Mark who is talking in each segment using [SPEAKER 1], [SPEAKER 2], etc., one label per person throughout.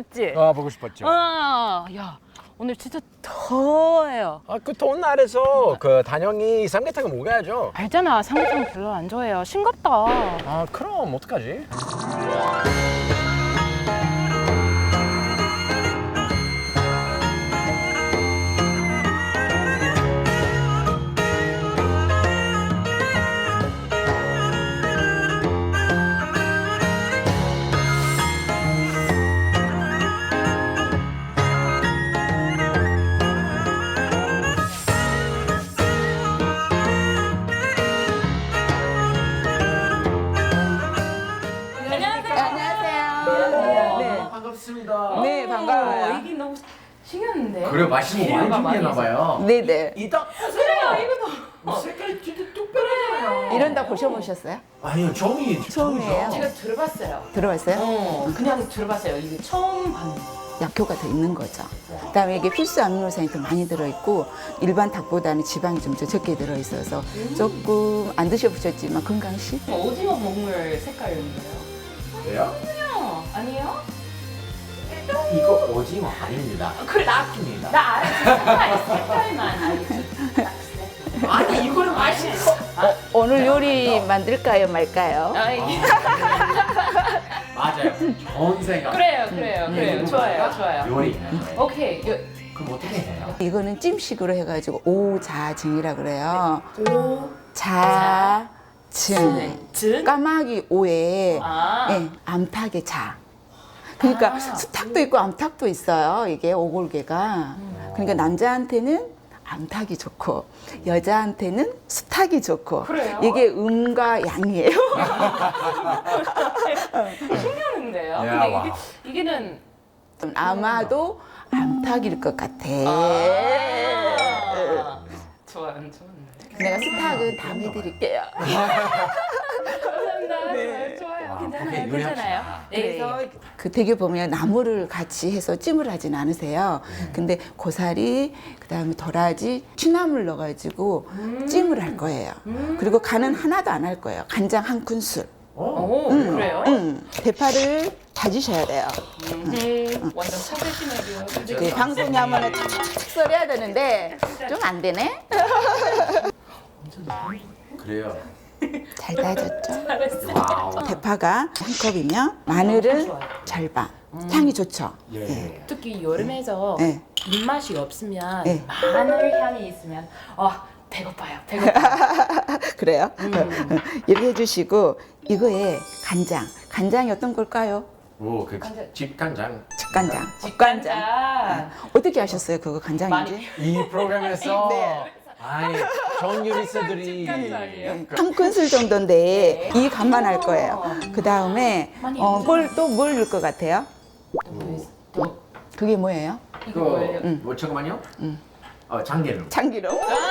[SPEAKER 1] 싶었지?
[SPEAKER 2] 보고 싶었죠.
[SPEAKER 1] 야, 오늘 진짜 더워요.
[SPEAKER 2] 그 더운 날에서 그 단영이 삼계탕을 먹어야죠.
[SPEAKER 1] 알잖아, 삼계탕 별로 안 좋아해요. 싱겁다.
[SPEAKER 2] 그럼 어떡하지? 반갑습니다.
[SPEAKER 3] 네, 반가워요.
[SPEAKER 1] 이게 너무 신기한데?
[SPEAKER 2] 그래, 맛있는 거 많이 준비했나봐요.
[SPEAKER 3] 네네.
[SPEAKER 2] 이따
[SPEAKER 1] 그래요, 이거
[SPEAKER 2] 색깔이 진짜 특별하잖아요.
[SPEAKER 3] 이런 다 보셔보셨어요?
[SPEAKER 2] 아니요,
[SPEAKER 3] 처음이에요.
[SPEAKER 1] 제가 들어봤어요.
[SPEAKER 3] 들어봤어요?
[SPEAKER 1] 그냥 들어봤어요. 이게 처음 봤는데.
[SPEAKER 3] 약효가 더 있는 거죠. 그다음에 이게 필수 아미노산이 더 많이 들어있고 일반 닭보다는 지방이 좀 더 적게 들어있어서 조금 안 드셔보셨지만 건강식?
[SPEAKER 1] 오징어 먹물 색깔인데요?
[SPEAKER 2] 왜요?
[SPEAKER 1] 아니에요?
[SPEAKER 2] 이거 오징어 아닙니다.
[SPEAKER 1] 그래, 나 알지. 색깔만 알지.
[SPEAKER 2] 아니, 이거는 맛있어.
[SPEAKER 3] 오늘 요리 만들까요 말까요?
[SPEAKER 1] 이게.
[SPEAKER 2] 맞아요. 좋은 생각.
[SPEAKER 1] 그래요. 좋아요.
[SPEAKER 2] 요리.
[SPEAKER 1] 오케이.
[SPEAKER 2] 그럼 어떻게 해요?
[SPEAKER 3] 이거는 찜식으로 해가지고 오자증이라 그래요. 자증.
[SPEAKER 1] 증?
[SPEAKER 3] 까마귀 오에
[SPEAKER 1] 아.
[SPEAKER 3] 예, 암탉의 자. 그러니까 수탉도 있고 암탉도 있어요. 이게 오골개가. 그러니까 남자한테는 암탉이 좋고 여자한테는 수탉이 좋고.
[SPEAKER 1] 그래요?
[SPEAKER 3] 이게 음과 양이에요.
[SPEAKER 1] 신기한데요?
[SPEAKER 2] 야,
[SPEAKER 1] 근데
[SPEAKER 2] 와.
[SPEAKER 1] 이게는
[SPEAKER 3] 아마도 암탉일 것 같아.
[SPEAKER 1] 좋아요.
[SPEAKER 3] 내가 수탉은 다음에 드릴게요.
[SPEAKER 1] 감사합니다. 좋아요. 괜찮아요.
[SPEAKER 2] 요리합시다.
[SPEAKER 1] 네, 그래서
[SPEAKER 3] 그 대게 보면 나물을 같이 해서 찜을 하진 않으세요. 근데 고사리, 그다음에 도라지, 취나물 넣어가지고 찜을 할 거예요. 그리고 간은 하나도 안 할 거예요. 간장 한 큰술.
[SPEAKER 1] 오, 그래요?
[SPEAKER 3] 대파를 다지셔야 돼요.
[SPEAKER 1] 완전 프로페셔널이요.
[SPEAKER 3] 그 방송에 하면은 착착착 썰어야 되는데 좀 안 되네.
[SPEAKER 2] 그래요.
[SPEAKER 3] 잘 다졌죠?
[SPEAKER 2] 와우.
[SPEAKER 3] 대파가 한 컵이면 마늘은 절반. 향이 좋죠.
[SPEAKER 2] 예.
[SPEAKER 1] 특히 여름에서
[SPEAKER 3] 네.
[SPEAKER 1] 입맛이 없으면
[SPEAKER 3] 네.
[SPEAKER 1] 마늘 향이 있으면 배고파요.
[SPEAKER 3] 그래요? 이렇게 해주시고 이거에 간장. 간장이 어떤 걸까요?
[SPEAKER 2] 오, 집간장.
[SPEAKER 3] 직간장.
[SPEAKER 1] 직간장.
[SPEAKER 3] 어떻게 아셨어요? 그거 간장인지?
[SPEAKER 2] 이 프로그램에서
[SPEAKER 3] 네.
[SPEAKER 2] 아니, 전 요리사들이
[SPEAKER 1] 직간장이에요?
[SPEAKER 3] 한 큰술 정도인데 이 간만 할 거예요. 그 다음에
[SPEAKER 1] 많이
[SPEAKER 3] 뭘 넣을 것 같아요? 그게 뭐예요?
[SPEAKER 1] 이거 뭐예요?
[SPEAKER 2] 뭐 잠깐만요. 참기름.
[SPEAKER 3] 참기름.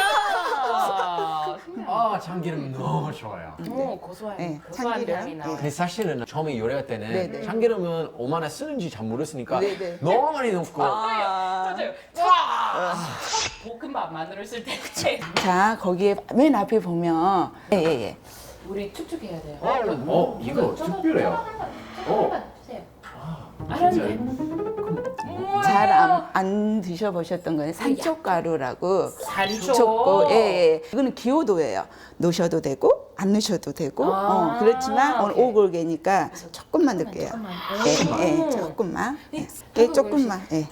[SPEAKER 2] 참기름 너무 좋아요.
[SPEAKER 1] 고소한
[SPEAKER 3] 네,
[SPEAKER 1] 고소한
[SPEAKER 3] 참기름.
[SPEAKER 1] 향이 나와요.
[SPEAKER 2] 근데 사실은 처음에 요리할 때는
[SPEAKER 3] 네네.
[SPEAKER 2] 참기름은 얼마나 쓰는지 잘 모르으니까
[SPEAKER 3] 네네.
[SPEAKER 2] 너무 많이 넣고
[SPEAKER 1] 맞아요. 첫 볶음밥 만들었을 쓸 때
[SPEAKER 3] 자, 거기에 맨 앞에 보면 예.
[SPEAKER 1] 우리 축축해야 돼요.
[SPEAKER 2] 이거 특별해요.
[SPEAKER 1] 조금만 주세요. 알았네.
[SPEAKER 3] 잘 안 드셔보셨던 거는 산초가루라고.
[SPEAKER 1] 산초.
[SPEAKER 3] 좋고, 예. 이거는 기호도예요. 넣으셔도 되고 안 넣으셔도 되고. 그렇지만 오늘
[SPEAKER 1] 오케이.
[SPEAKER 3] 오골개니까 조금만 넣을게요. 예, 조금만. 예, 조금만. 예.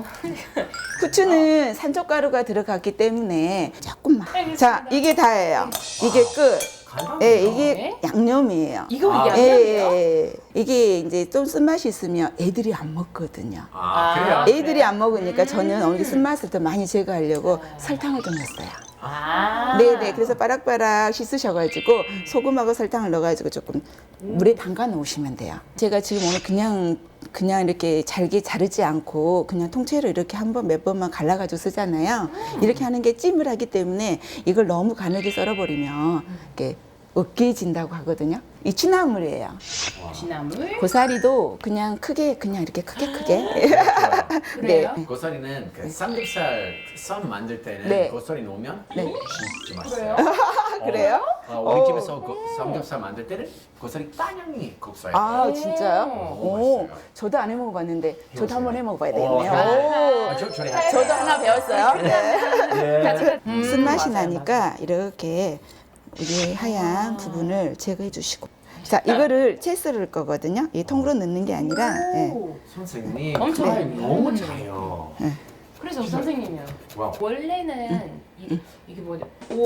[SPEAKER 3] 후추는 산초가루가 들어갔기 때문에 조금만. 자, 이게 다예요. 이게 끝. 예, 이게 양념이에요.
[SPEAKER 1] 이거
[SPEAKER 2] 아,
[SPEAKER 1] 양념이에요?
[SPEAKER 3] 이게 이제 좀 쓴맛이 있으면 애들이 안 먹거든요.
[SPEAKER 2] 그래요?
[SPEAKER 3] 애들이 안 먹으니까 저는 오늘 쓴맛을 더 많이 제거하려고 설탕을 좀 넣었어요. 네네. 그래서 바락바락 씻으셔가지고 소금하고 설탕을 넣어가지고 조금 물에 담가 놓으시면 돼요. 제가 지금 오늘 그냥 이렇게 잘게 자르지 않고 그냥 통째로 이렇게 한 번 몇 번만 갈라가지고 쓰잖아요. 이렇게 하는 게 찜을 하기 때문에 이걸 너무 가늘게 썰어버리면 이렇게 으깨진다고 하거든요. 이 취나물이에요.
[SPEAKER 1] 진나물.
[SPEAKER 3] 고사리도 그냥 크게 그냥 이렇게 크게.
[SPEAKER 1] 그래요?
[SPEAKER 3] 네.
[SPEAKER 2] 고사리는 그 삼겹살 쌈 만들 때는
[SPEAKER 3] 네.
[SPEAKER 2] 고사리 넣으면
[SPEAKER 3] 네.
[SPEAKER 2] 진짜 맛있어요.
[SPEAKER 1] 그래요?
[SPEAKER 3] 그래요?
[SPEAKER 2] 우리 집에서 그 삼겹살 만들 때는 고사리 따냥이 국수예요.
[SPEAKER 3] 아 진짜요?
[SPEAKER 2] 오, 맛있어요.
[SPEAKER 3] 저도 안 해 먹어봤는데 저도 한번 해 먹어봐야
[SPEAKER 2] 오,
[SPEAKER 3] 되겠네요. 오.
[SPEAKER 2] 저리
[SPEAKER 3] 저도 하나 배웠어요. 네.
[SPEAKER 2] 예.
[SPEAKER 3] 쓴맛이 나니까 이렇게 우리 하얀 부분을 제거해 주시고. 자, 이거를 채 썰을 거거든요. 이 통으로 넣는 게 아니라. 예.
[SPEAKER 2] 선생님
[SPEAKER 1] 엄청
[SPEAKER 2] 네. 너무 잘해요.
[SPEAKER 1] 그래서 선생님이요.
[SPEAKER 2] 와우.
[SPEAKER 1] 원래는 이게 뭐냐?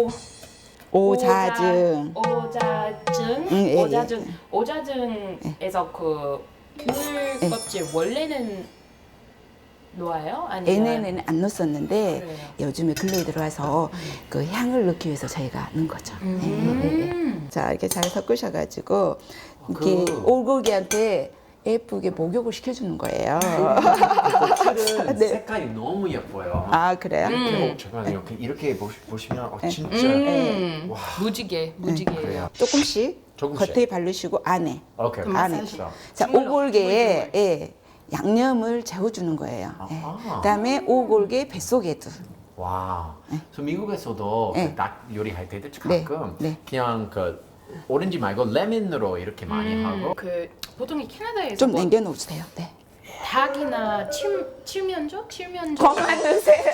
[SPEAKER 3] 오자증.
[SPEAKER 1] 오자증.
[SPEAKER 3] 예, 예.
[SPEAKER 1] 오자증. 오자증에서 그 귤 껍질 원래는 놓아요? 아니면
[SPEAKER 3] 얘네는 안 넣었었는데
[SPEAKER 1] 그래요.
[SPEAKER 3] 요즘에 근로에 들어와서 그 향을 넣기 위해서 저희가 넣은 거죠. 예. 자, 이렇게 잘 섞으셔가지고 이렇게 오골개한테 예쁘게 목욕을 시켜주는 거예요.
[SPEAKER 2] 고추는
[SPEAKER 3] 네.
[SPEAKER 2] 색깔이 너무 예뻐요.
[SPEAKER 3] 아, 그래요?
[SPEAKER 2] 잠깐만요. 이렇게 보시면 진짜 와,
[SPEAKER 1] 무지개.
[SPEAKER 2] 그래요.
[SPEAKER 3] 조금씩
[SPEAKER 2] 조금씩.
[SPEAKER 3] 겉에 바르시고 안에.
[SPEAKER 2] 오케이.
[SPEAKER 3] 안에.
[SPEAKER 2] 그렇죠.
[SPEAKER 3] 자, 오골개에 예, 양념을 재워주는 거예요. 예.
[SPEAKER 2] 아하.
[SPEAKER 3] 그다음에 오골개 뱃속에도.
[SPEAKER 2] 와. 그래서 미국에서도
[SPEAKER 3] 네.
[SPEAKER 2] 그 닭 요리할 때도
[SPEAKER 3] 네.
[SPEAKER 2] 가끔
[SPEAKER 3] 네.
[SPEAKER 2] 그냥 그 오렌지 말고 레몬으로 이렇게 많이 하고
[SPEAKER 1] 그 보통 이 캐나다에서
[SPEAKER 3] 좀
[SPEAKER 1] 뭐
[SPEAKER 3] 남겨놓으세요. 네.
[SPEAKER 1] 닭이나 칠면조?
[SPEAKER 3] 그만 드세요.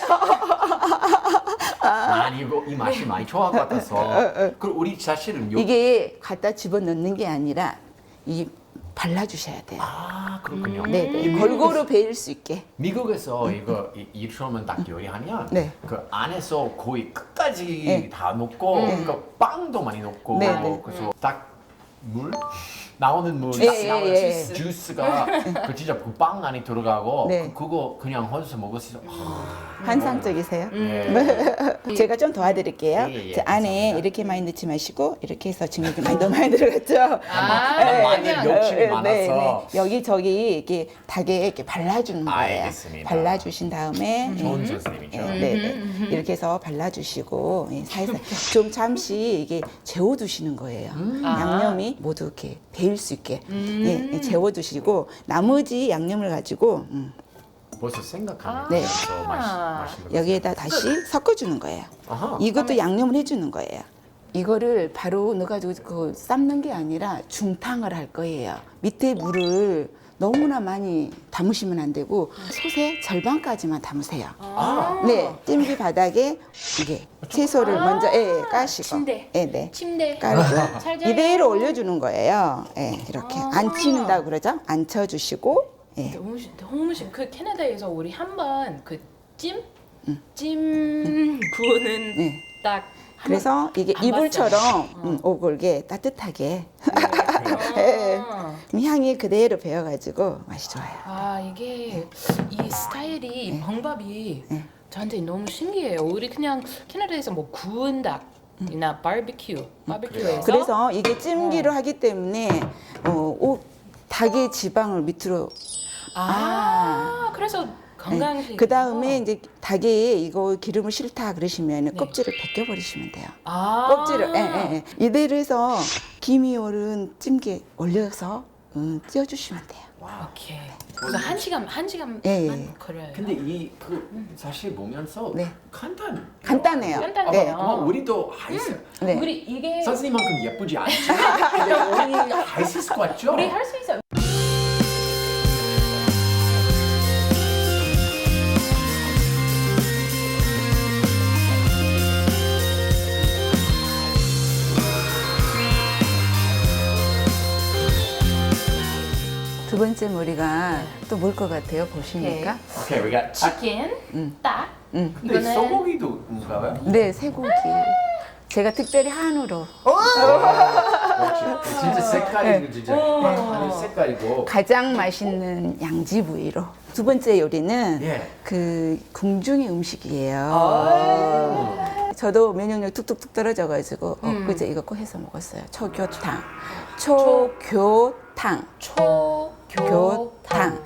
[SPEAKER 2] 많이 이거 이 맛이 많이 좋아할 것 같아서 그리고 우리 사실은 요
[SPEAKER 3] 이게 갖다 집어넣는 게 아니라 이 발라주셔야 돼요.
[SPEAKER 2] 아 그렇군요.
[SPEAKER 3] 네네. 골고루 배일 수 있게.
[SPEAKER 2] 미국에서 이거 이처럼 닭 요리하면
[SPEAKER 3] 네.
[SPEAKER 2] 그 안에서 거의 끝까지
[SPEAKER 3] 네.
[SPEAKER 2] 다 넣고 그 빵도 많이 넣고
[SPEAKER 3] 네, 네.
[SPEAKER 2] 그래서 물 나오는 물
[SPEAKER 3] 예,
[SPEAKER 2] 딱
[SPEAKER 3] 예,
[SPEAKER 2] 나오는
[SPEAKER 3] 예.
[SPEAKER 2] 주스가 그 진짜 그 빵 안에 들어가고
[SPEAKER 3] 네.
[SPEAKER 2] 그거 그냥 혼자서 먹을 수 있어.
[SPEAKER 3] 환상적이세요.
[SPEAKER 2] 네.
[SPEAKER 3] 제가 좀 도와드릴게요.
[SPEAKER 2] 예, 예,
[SPEAKER 3] 자, 안에
[SPEAKER 2] 감사합니다.
[SPEAKER 3] 이렇게 많이 넣지 마시고 이렇게 해서 지금 이렇게 너무 많이 들어갔죠.
[SPEAKER 2] 마늘
[SPEAKER 1] 그냥
[SPEAKER 2] 욕심이 많아서
[SPEAKER 3] 여기 저기 이렇게 닭에 이렇게 발라주는 거예요.
[SPEAKER 2] 알겠습니다.
[SPEAKER 3] 발라주신 다음에
[SPEAKER 2] 좋은 선생님이죠.
[SPEAKER 3] 네. 이렇게 해서 발라주시고 예, 살살 좀 잠시 이게 재워두시는 거예요. 양념이 모두 이렇게 배일 수 있게 예, 재워두시고 나머지 양념을 가지고
[SPEAKER 2] 벌써 생각하면
[SPEAKER 3] 네.
[SPEAKER 2] 더 맛있는 거.
[SPEAKER 3] 여기에다 다시 섞어주는 거예요.
[SPEAKER 2] 아하.
[SPEAKER 3] 이것도 양념을 해주는 거예요. 이거를 바로 넣어가지고 그 삶는 게 아니라 중탕을 할 거예요. 밑에 물을 너무나 많이 담으시면 안 되고 솥의 절반까지만 담으세요.
[SPEAKER 2] 아.
[SPEAKER 3] 네, 찜기 바닥에 이게 채소를 먼저 예, 까시고,
[SPEAKER 1] 침대.
[SPEAKER 3] 예, 네,
[SPEAKER 1] 침대.
[SPEAKER 3] 깔고
[SPEAKER 1] 잘 자요.
[SPEAKER 3] 이대로 올려주는 거예요. 예, 이렇게 안 치는다고 그러죠? 안 쳐주시고, 예,
[SPEAKER 1] 너무 그 캐나다에서 우리 한번 그 찜 구우는
[SPEAKER 3] 네.
[SPEAKER 1] 딱
[SPEAKER 3] 그래서 이게
[SPEAKER 1] 안
[SPEAKER 3] 이불처럼 오골게 따뜻하게 예, 그럼 향이 그대로 배어가지고 맛이 좋아요.
[SPEAKER 1] 아 이게 이 스타일이 이 방법이 저한테 너무 신기해요. 우리 그냥 캐나다에서 뭐 구운 닭이나 바비큐에서
[SPEAKER 3] 그래서 이게 찜기로 하기 때문에 닭의 지방을 밑으로
[SPEAKER 1] 그래서 건강식
[SPEAKER 3] 그 다음에 이제 닭에 이거 기름을 싫다 그러시면 껍질을 벗겨버리시면 돼요. 껍질을 예. 이대로 해서 김이 오른 찜기에 올려서 찌어주시면 돼요.
[SPEAKER 1] 오케이. 그래서 한 시간
[SPEAKER 3] 예, 예.
[SPEAKER 1] 걸려요.
[SPEAKER 2] 근데 이 그 사실 보면서
[SPEAKER 3] 네.
[SPEAKER 2] 간단해요.
[SPEAKER 1] 간단해요.
[SPEAKER 2] 우리도 할 수.
[SPEAKER 3] 네.
[SPEAKER 1] 우리 이게
[SPEAKER 2] 선생님만큼 예쁘지 않지만 근데 우리 할 수 있을 것 같죠?
[SPEAKER 1] 우리 할 수 있어요.
[SPEAKER 3] 두 번째 머리가 또 뭘 것 같아요? 보시니까.
[SPEAKER 2] 오케이, we got
[SPEAKER 1] 치킨, 딱.
[SPEAKER 2] 근데
[SPEAKER 1] 이거는-
[SPEAKER 2] 소고기도 뭔가요?
[SPEAKER 3] 네, 쇠고기. 제가 특별히 한우로
[SPEAKER 2] 역시 진짜 색깔이 진짜 하늘 색깔이고.
[SPEAKER 3] 가장 맛있는 양지 부위로. 두 번째 요리는
[SPEAKER 2] 예.
[SPEAKER 3] 그 궁중의 음식이에요. 저도 면역력 뚝뚝뚝 떨어져가지고 그제 이거 꼭 해서 먹었어요. 초교탕. 초교탕. 교탕.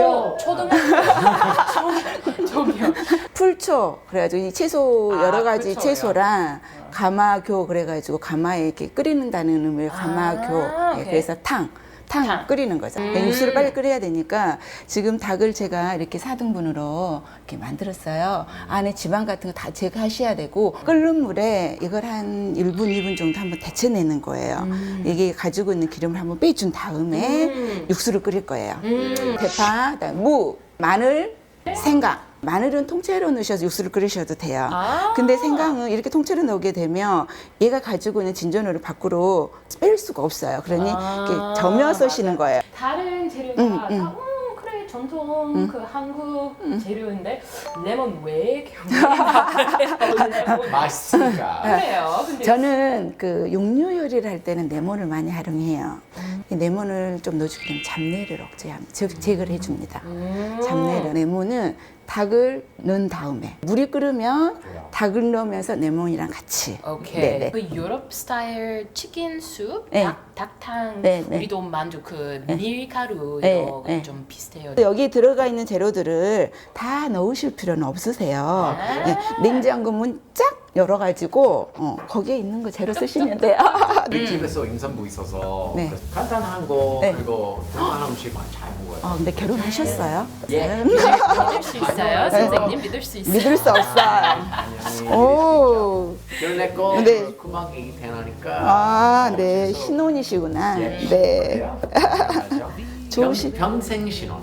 [SPEAKER 1] 저기요.
[SPEAKER 3] 풀초 그래가지고 이 채소 여러 가지
[SPEAKER 1] 풀초요.
[SPEAKER 3] 채소랑 가마교 그래가지고 가마에 이렇게 끓이는다는 의미의 가마교. 예,
[SPEAKER 1] 오케이.
[SPEAKER 3] 그래서 탕. 탕 끓이는 거죠. 육수를 빨리 끓여야 되니까 지금 닭을 제가 이렇게 4등분으로 이렇게 만들었어요. 안에 지방 같은 거 다 제거하셔야 되고 끓는 물에 이걸 한 1분, 2분 정도 한번 데쳐내는 거예요. 이게 가지고 있는 기름을 한번 빼준 다음에 육수를 끓일 거예요. 대파, 그다음에 무, 마늘, 생강. 마늘은 통째로 넣으셔서 육수를 끓이셔도 돼요. 근데 생강은 이렇게 통째로 넣게 되면 얘가 가지고 있는 진전율을 밖으로 뺄 수가 없어요. 그러니 이렇게 저며서 쓰시는 거예요.
[SPEAKER 1] 다른 재료가 다, 그래 전통 그 한국 재료인데 레몬 왜 이렇게 넣냐고
[SPEAKER 2] 맛있으니까.
[SPEAKER 1] 그래요. 근데
[SPEAKER 3] 저는 그 육류 요리를 할 때는 레몬을 많이 활용해요. 이 레몬을 좀 넣어주게 되면 잡내를 억제합니다. 즉 제거를 해줍니다. 잡내를. 레몬은 닭을 넣은 다음에 물이 끓으면 닭을 넣으면서 레몬이랑 같이.
[SPEAKER 1] 오케이.
[SPEAKER 3] 네네.
[SPEAKER 1] 그 유럽 스타일 치킨 숲,
[SPEAKER 3] 네.
[SPEAKER 1] 닭탕
[SPEAKER 3] 네, 네.
[SPEAKER 1] 우리도 만두 그 밀가루
[SPEAKER 3] 네,
[SPEAKER 1] 이거
[SPEAKER 3] 네.
[SPEAKER 1] 좀 비슷해요.
[SPEAKER 3] 여기 들어가 있는 재료들을 다 넣으실 필요는 없으세요. 네, 냉장고 문 쫙 열어가지고 거기에 있는 거 재료 쓰시면 돼요.
[SPEAKER 2] 우리 집에서 임산부 있어서
[SPEAKER 3] 네.
[SPEAKER 2] 그래서 간단한 거
[SPEAKER 3] 네.
[SPEAKER 2] 그리고 동안한 음식만 잘 먹어요.
[SPEAKER 3] 근데 결혼하셨어요?
[SPEAKER 2] 예.
[SPEAKER 1] 믿을 수 있어요, 선생님 믿을 수 있어요.
[SPEAKER 3] 믿을 수 없어요. 오.
[SPEAKER 2] 14거
[SPEAKER 3] 네.
[SPEAKER 2] 금방 애기 태어나니까.
[SPEAKER 3] 아, 네. 신혼이시구나.
[SPEAKER 2] 예.
[SPEAKER 3] 네.
[SPEAKER 2] 그래요?
[SPEAKER 3] 좋으시-
[SPEAKER 2] 평생 신혼.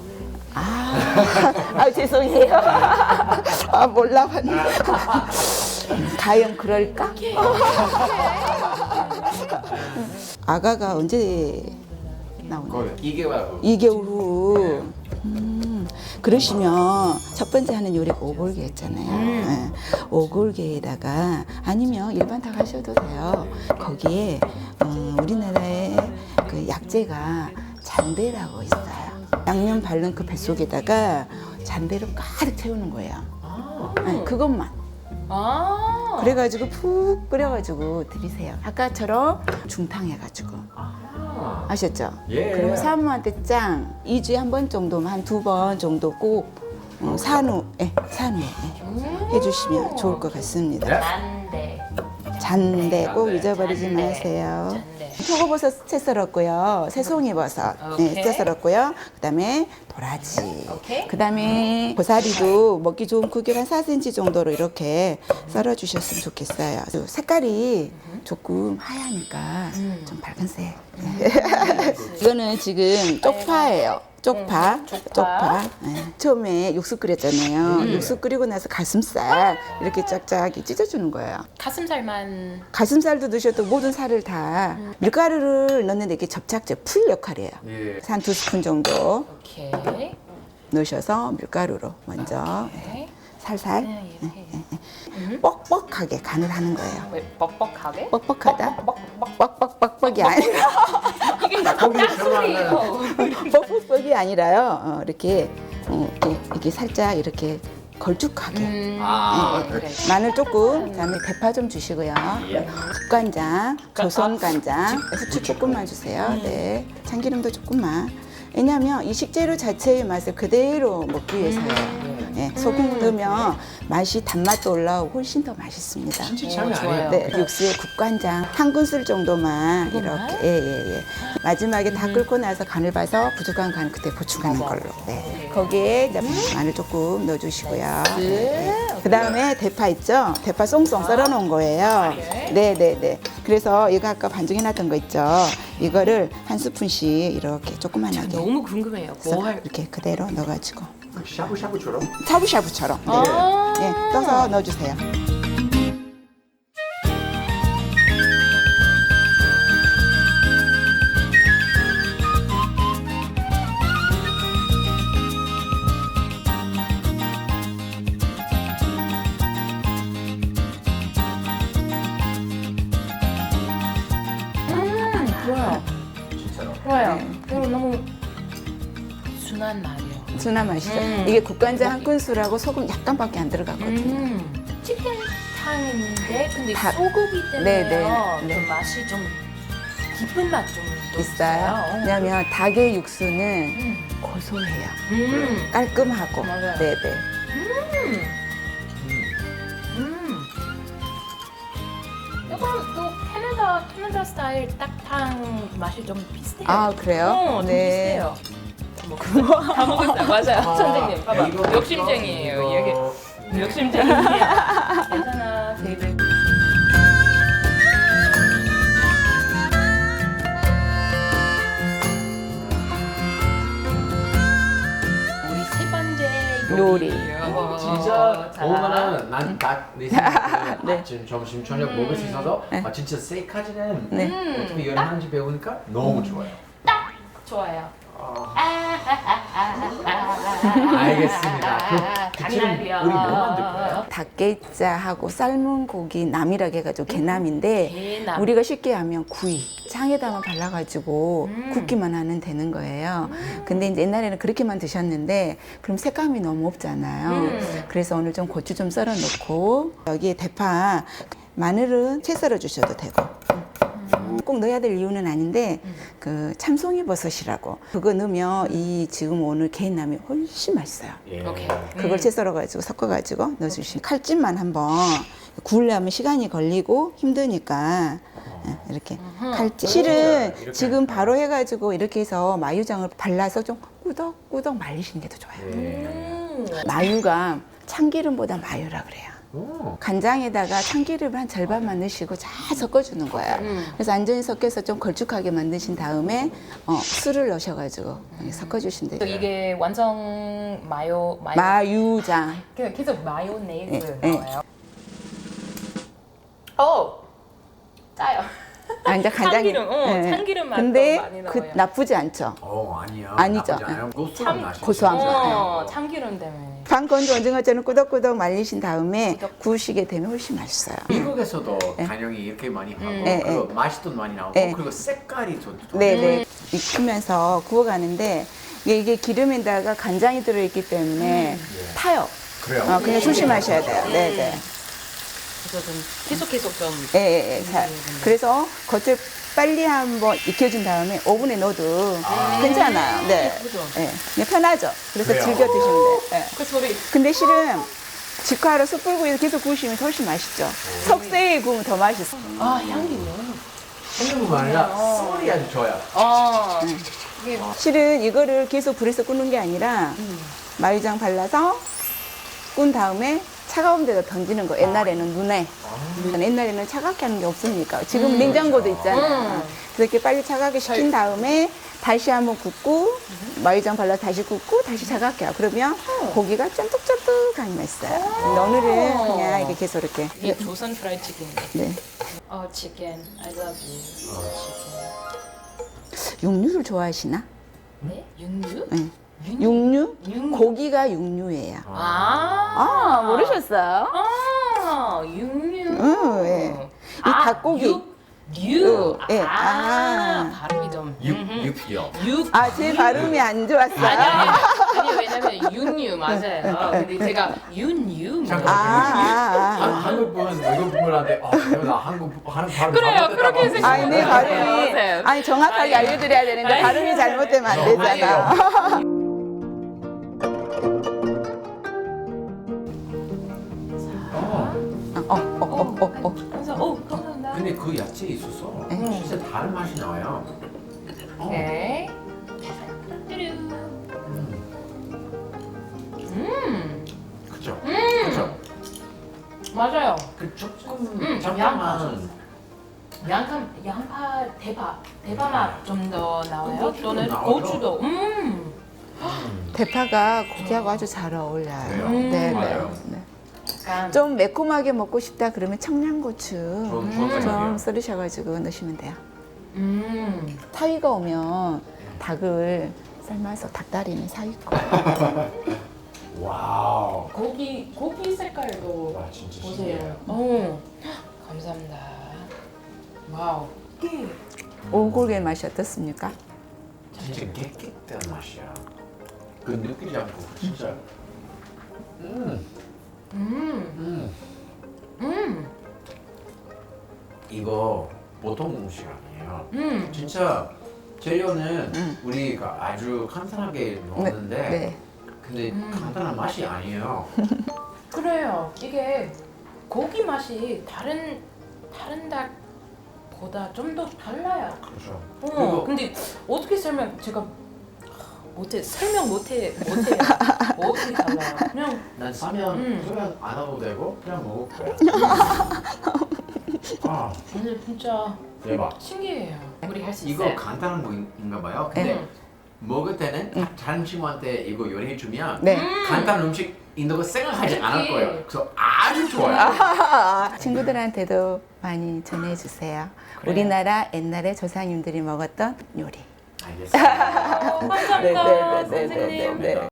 [SPEAKER 3] 죄송해요. 몰라봤네. 과연 그럴까? 아가가 언제 나오나요?
[SPEAKER 2] 거의 2개월 후.
[SPEAKER 3] 2개월 후. 그러시면 첫 번째 하는 요리가 오골계였잖아요. 네. 오골계에다가 아니면 일반 닭 하셔도 돼요. 거기에 우리나라의 그 약재가 잔대라고 있어요. 양념 바른 그 뱃속에다가 잔대를 가득 채우는 거예요. 네, 그것만.
[SPEAKER 1] 아,
[SPEAKER 3] 그래가지고 푹 끓여가지고 드리세요. 아까처럼 중탕 해가지고. 아셨죠?
[SPEAKER 2] 예.
[SPEAKER 3] 그리고 사모한테 짱 2주에 한 번 정도만 한 2번 정도 꼭 산후에 해주시면 좋을 것 같습니다.
[SPEAKER 1] 난데.
[SPEAKER 3] 잔대 꼭
[SPEAKER 2] 잔대.
[SPEAKER 3] 잊어버리지
[SPEAKER 1] 잔대.
[SPEAKER 3] 마세요.
[SPEAKER 1] 잔대.
[SPEAKER 3] 표고버섯 채 썰었고요. 새송이버섯
[SPEAKER 1] 오케이.
[SPEAKER 3] 채 썰었고요. 그다음에 도라지.
[SPEAKER 1] 오케이.
[SPEAKER 3] 그다음에 고사리도 먹기 좋은 크기로 한 4cm 정도로 이렇게 썰어주셨으면 좋겠어요. 색깔이 조금 하얘니까 좀 밝은색. 이거는 지금 쪽파예요. 쪽파. 네. 처음에 육수 끓였잖아요. 육수 끓이고 나서 가슴살 이렇게 쫙쫙 찢어주는 거예요.
[SPEAKER 1] 가슴살만.
[SPEAKER 3] 가슴살도 넣으셔도 모든 살을 다 밀가루를 넣는데 이게 접착제 풀 역할이에요.
[SPEAKER 2] 예.
[SPEAKER 3] 한 2스푼 정도
[SPEAKER 1] 오케이.
[SPEAKER 3] 넣으셔서 밀가루로 먼저
[SPEAKER 1] 오케이.
[SPEAKER 3] 살살
[SPEAKER 1] 네, 이렇게.
[SPEAKER 3] 뻑뻑하게 간을 하는 거예요.
[SPEAKER 1] 왜 뻑뻑하게?
[SPEAKER 3] 뻑뻑하다?
[SPEAKER 1] 뻑뻑.
[SPEAKER 3] 뻑뻑뻑뻑이 아니라
[SPEAKER 1] 이게 닭 소리예요.
[SPEAKER 3] 뻑뻑뻑이 아니라요. 이렇게 이렇게 살짝 이렇게 걸쭉하게.
[SPEAKER 1] 그래.
[SPEAKER 3] 마늘 조금, 그다음에 대파 좀 주시고요. 국간장, 조선간장, 후추 조금만 주세요. 네, 참기름도 조금만. 왜냐하면 이 식재료 자체의 맛을 그대로 먹기 위해서요. 네, 소금 넣으면 맛이 단맛도 올라오고 훨씬 더 맛있습니다.
[SPEAKER 2] 진짜 장난
[SPEAKER 1] 좋아요.
[SPEAKER 2] 아니에요.
[SPEAKER 3] 네, 육수에 국간장 한 큰술 정도만
[SPEAKER 1] 그것만?
[SPEAKER 3] 이렇게 예. 마지막에 다 끓고 나서 간을 봐서 부족한 간 그때 보충하는 걸로. 네. 거기에 이제 마늘 조금 넣어주시고요. 그 다음에 대파 있죠? 대파 송송 썰어놓은 거예요. 네. 그래서 이거 아까 반죽해놨던 거 있죠? 이거를 한 스푼씩 이렇게 조그만하게
[SPEAKER 1] 너무 궁금해요. 뭐 할?
[SPEAKER 3] 이렇게 그대로 넣어가지고
[SPEAKER 2] 샤브샤브처럼.
[SPEAKER 3] 샤브샤브처럼 네. 네, 떠서 넣어주세요.
[SPEAKER 1] 좋아요.
[SPEAKER 2] 진짜로.
[SPEAKER 1] 좋아요. 그리고 너무 순한 맛이에요.
[SPEAKER 3] 순한 맛이죠. 이게 국간장 한 큰술하고 소금 약간밖에 안 들어갔거든요.
[SPEAKER 1] 치킨탕인데 근데
[SPEAKER 3] 닭.
[SPEAKER 1] 소고기 때문에
[SPEAKER 3] 네.
[SPEAKER 1] 그 맛이 좀 깊은 맛 좀
[SPEAKER 3] 있어요. 왜냐하면 닭의 육수는 고소해요. 깔끔하고.
[SPEAKER 1] 맞아요.
[SPEAKER 3] 네네.
[SPEAKER 1] 이건 또 캐나다 스타일 딱탕 맛이 좀 비슷해요.
[SPEAKER 3] 아, 그래요?
[SPEAKER 1] 좀
[SPEAKER 3] 네.
[SPEAKER 1] 비슷해요. 다 먹었어요. 맞아요. 선생님, 봐봐.
[SPEAKER 2] 이거
[SPEAKER 1] 욕심쟁이에요.
[SPEAKER 2] 이거.
[SPEAKER 1] 여기 욕심쟁이야. 괜찮아, 베이비. 우리 세 번째
[SPEAKER 3] 요리.
[SPEAKER 2] 진짜
[SPEAKER 1] 자.
[SPEAKER 2] 오면은 난딱내 생각에
[SPEAKER 3] 네.
[SPEAKER 2] 아침, 점심, 저녁 먹을 수 있어서 진짜 셀카지는
[SPEAKER 3] 네.
[SPEAKER 2] 어떻게 요리하는지 배우니까 너무 좋아요.
[SPEAKER 1] 좋아요.
[SPEAKER 2] 알겠습니다. 그 지금
[SPEAKER 1] 당연하죠.
[SPEAKER 2] 우리 뭐 만들 거예요?
[SPEAKER 3] 닭게자하고 삶은 고기 남이라고 해가지고 게남인데
[SPEAKER 1] 게남.
[SPEAKER 3] 우리가 쉽게 하면 구이 장에다만 발라가지고 굽기만 하면 되는 거예요. 근데 이제 옛날에는 그렇게만 드셨는데 그럼 색감이 너무 없잖아요. 그래서 오늘 좀 고추 좀 썰어 놓고 여기에 대파, 마늘은 채 썰어 주셔도 되고. 꼭 넣어야 될 이유는 아닌데 그 참송이 버섯이라고 그거 넣으면 이 지금 오늘 게남이 훨씬 맛있어요.
[SPEAKER 2] 예.
[SPEAKER 1] 오케이.
[SPEAKER 3] 그걸 채 썰어가지고 섞어가지고 넣어주시면 칼집만 한번 구우려면 시간이 걸리고 힘드니까 이렇게 칼집 실은
[SPEAKER 2] 이렇게
[SPEAKER 3] 지금 바로 해가지고 이렇게 해서 마유장을 발라서 좀 꾸덕꾸덕 말리시는 게 더 좋아요. 마유가 참기름보다 마유라 그래요.
[SPEAKER 2] 오.
[SPEAKER 3] 간장에다가 참기름 한 절반만 넣으시고 잘 섞어주는 거예요. 그래서 완전히 섞여서 좀 걸쭉하게 만드신 다음에 술을 넣으셔가지고 섞어주시면 돼요.
[SPEAKER 1] 이게 완성 마요
[SPEAKER 3] 마유장.
[SPEAKER 1] 계속 마요네즈
[SPEAKER 3] 네,
[SPEAKER 1] 나와요. 오 짜요.
[SPEAKER 3] 아, 이제 간장이.
[SPEAKER 1] 참기름, 참기름 맛도
[SPEAKER 3] 근데
[SPEAKER 1] 많이
[SPEAKER 3] 그
[SPEAKER 1] 나와요.
[SPEAKER 3] 나쁘지 않죠.
[SPEAKER 2] 아니야.
[SPEAKER 3] 아니죠.
[SPEAKER 2] 나쁘지 않아요. 고소한 맛이
[SPEAKER 3] 고소한
[SPEAKER 2] 있어요.
[SPEAKER 1] 참기름 때문에.
[SPEAKER 3] 반 건조 오징어처럼 꾸덕꾸덕 말리신 다음에 구우시게 되면 훨씬 맛있어요.
[SPEAKER 2] 미국에서도 단영이 이렇게 많이 하고
[SPEAKER 3] 네,
[SPEAKER 2] 그리고 맛이 또 많이 나오고
[SPEAKER 3] 네.
[SPEAKER 2] 그리고 색깔이 더
[SPEAKER 3] 네네. 익히면서 구워가는데 이게 기름에다가 간장이 들어있기 때문에 타요.
[SPEAKER 2] 그래요.
[SPEAKER 3] 그냥 조심하셔야 돼요. 네네.
[SPEAKER 1] 그래서 좀 계속 좀.
[SPEAKER 3] 예. 자, 그래서 겉을 빨리 한번 익혀준 다음에 오븐에 넣어도 괜찮아요. 네.
[SPEAKER 1] 그죠?
[SPEAKER 3] 예. 그냥 편하죠. 그래서
[SPEAKER 2] 그래요.
[SPEAKER 3] 즐겨 드시면 돼요. 예.
[SPEAKER 1] 그 소리.
[SPEAKER 3] 근데 실은 직화로 숯불구이에서 계속 구우시면 훨씬 맛있죠. 석쇠에 구우면 더 맛있어.
[SPEAKER 1] 아 향기 너무.
[SPEAKER 2] 한국뿐만 아니라 소리 아주 좋아요.
[SPEAKER 1] 이게
[SPEAKER 3] 실은 이거를 계속 불에서 굽는 게 아니라 마유장 발라서 꾼 다음에 차가운 데다 던지는 거. 옛날에는 눈에. 옛날에는 차갑게 하는 게 없으니까. 지금 냉장고도 있잖아요. 그렇게 빨리 차갑게 식힌 다음에 다시 한번 굽고 마유장 발라서 다시 굽고 다시 차갑게 하고 그러면 고기가 쫀득쫀득하니 맛있어요. 근데 오늘은 그냥 이렇게 계속 이렇게.
[SPEAKER 1] 이게 조선 프라이 치킨.
[SPEAKER 3] 네.
[SPEAKER 1] 치킨. I love you.
[SPEAKER 3] 육류를 좋아하시나?
[SPEAKER 1] 네? 육류?
[SPEAKER 3] 네. 육류?
[SPEAKER 1] 육류.
[SPEAKER 3] 고기가 육류예요.
[SPEAKER 1] 아.
[SPEAKER 3] 모르셨어요?
[SPEAKER 1] 육류.
[SPEAKER 3] 예. 이 닭고기.
[SPEAKER 1] 류.
[SPEAKER 3] 예.
[SPEAKER 1] 발음이 좀.
[SPEAKER 2] 육요.
[SPEAKER 1] 육.
[SPEAKER 3] 제 발음이 안 좋았어요.
[SPEAKER 1] 아니 왜냐면 육류 맞아요. 근데 제가 윤유.
[SPEAKER 2] 한국 분 외국 분한테 나 한국 하는 발음
[SPEAKER 1] 그래요.
[SPEAKER 2] 잘못했다고
[SPEAKER 1] 그렇게
[SPEAKER 2] 하고
[SPEAKER 1] 생각해요.
[SPEAKER 3] 아니, 내 발음이.
[SPEAKER 1] 맞아요.
[SPEAKER 3] 아니, 정확하게 알려드려야 되는데,
[SPEAKER 1] 아니.
[SPEAKER 3] 발음이 잘못되면 안 되잖아.
[SPEAKER 1] 감사합니다.
[SPEAKER 2] 근데 그 야채 있어서 진짜 다른 맛이 나와요.
[SPEAKER 1] 오케이.
[SPEAKER 2] 그죠? 그죠?
[SPEAKER 1] 맞아요.
[SPEAKER 2] 그 조금
[SPEAKER 1] 양파.
[SPEAKER 2] 잠깐만
[SPEAKER 1] 양파 대파 맛 좀 더 나와요.
[SPEAKER 2] 고추도
[SPEAKER 1] 또는
[SPEAKER 2] 나오죠?
[SPEAKER 1] 고추도.
[SPEAKER 3] 대파가 고기하고 아주 잘 어울려요.
[SPEAKER 2] 그래요?
[SPEAKER 3] 네,
[SPEAKER 2] 맞아요.
[SPEAKER 3] 네.
[SPEAKER 1] 약간
[SPEAKER 3] 좀 매콤하게 먹고 싶다 그러면 청양고추
[SPEAKER 2] 좋은
[SPEAKER 3] 좀
[SPEAKER 2] 생각이에요.
[SPEAKER 3] 썰으셔가지고 넣으시면 돼요. 사위가 오면 닭을 삶아서 닭다리는 사위 거.
[SPEAKER 2] 와우.
[SPEAKER 1] 고기 색깔도
[SPEAKER 2] 와, 진짜
[SPEAKER 1] 보세요.
[SPEAKER 2] 신기해요.
[SPEAKER 1] 감사합니다. 와우.
[SPEAKER 3] 오골계 맛이 어떻습니까?
[SPEAKER 2] 진짜 깨끗한 맛이야. 그 느끼지 않고 진짜. 이거 보통 음식 아니에요. 진짜 재료는 우리가 아주 간단하게 넣었는데
[SPEAKER 3] 네.
[SPEAKER 2] 근데 간단한 맛이 아니에요.
[SPEAKER 1] 그래요. 이게 고기 맛이 다른 다른 닭보다 좀 더 달라요.
[SPEAKER 2] 그렇죠.
[SPEAKER 1] 근데 어떻게 설명 제가 설명 못해요. 어떻게 달라요? 그냥
[SPEAKER 2] 난 사면 소면 안 하고 되고 그냥 먹을 거야. 아
[SPEAKER 1] 오늘 진짜
[SPEAKER 2] 대박.
[SPEAKER 1] 신기해요. 우리 할 수
[SPEAKER 4] 이거
[SPEAKER 1] 있어요.
[SPEAKER 4] 간단한 거인가 봐요. 근데 먹을 때는 다른 친구한테 이거 요리해 주면
[SPEAKER 3] 네.
[SPEAKER 4] 간단한 음식인 거 생각하지 않을
[SPEAKER 1] 그치.
[SPEAKER 4] 거예요. 그래서 아주 좋아요.
[SPEAKER 3] 친구들한테도 많이 전해주세요.
[SPEAKER 1] 그래요.
[SPEAKER 3] 우리나라 옛날에 조상님들이 먹었던 요리.
[SPEAKER 4] 알겠습니다.
[SPEAKER 1] 감사합니다,
[SPEAKER 3] 네, 네, 네, 네,
[SPEAKER 1] 선생님.
[SPEAKER 3] 네, 네.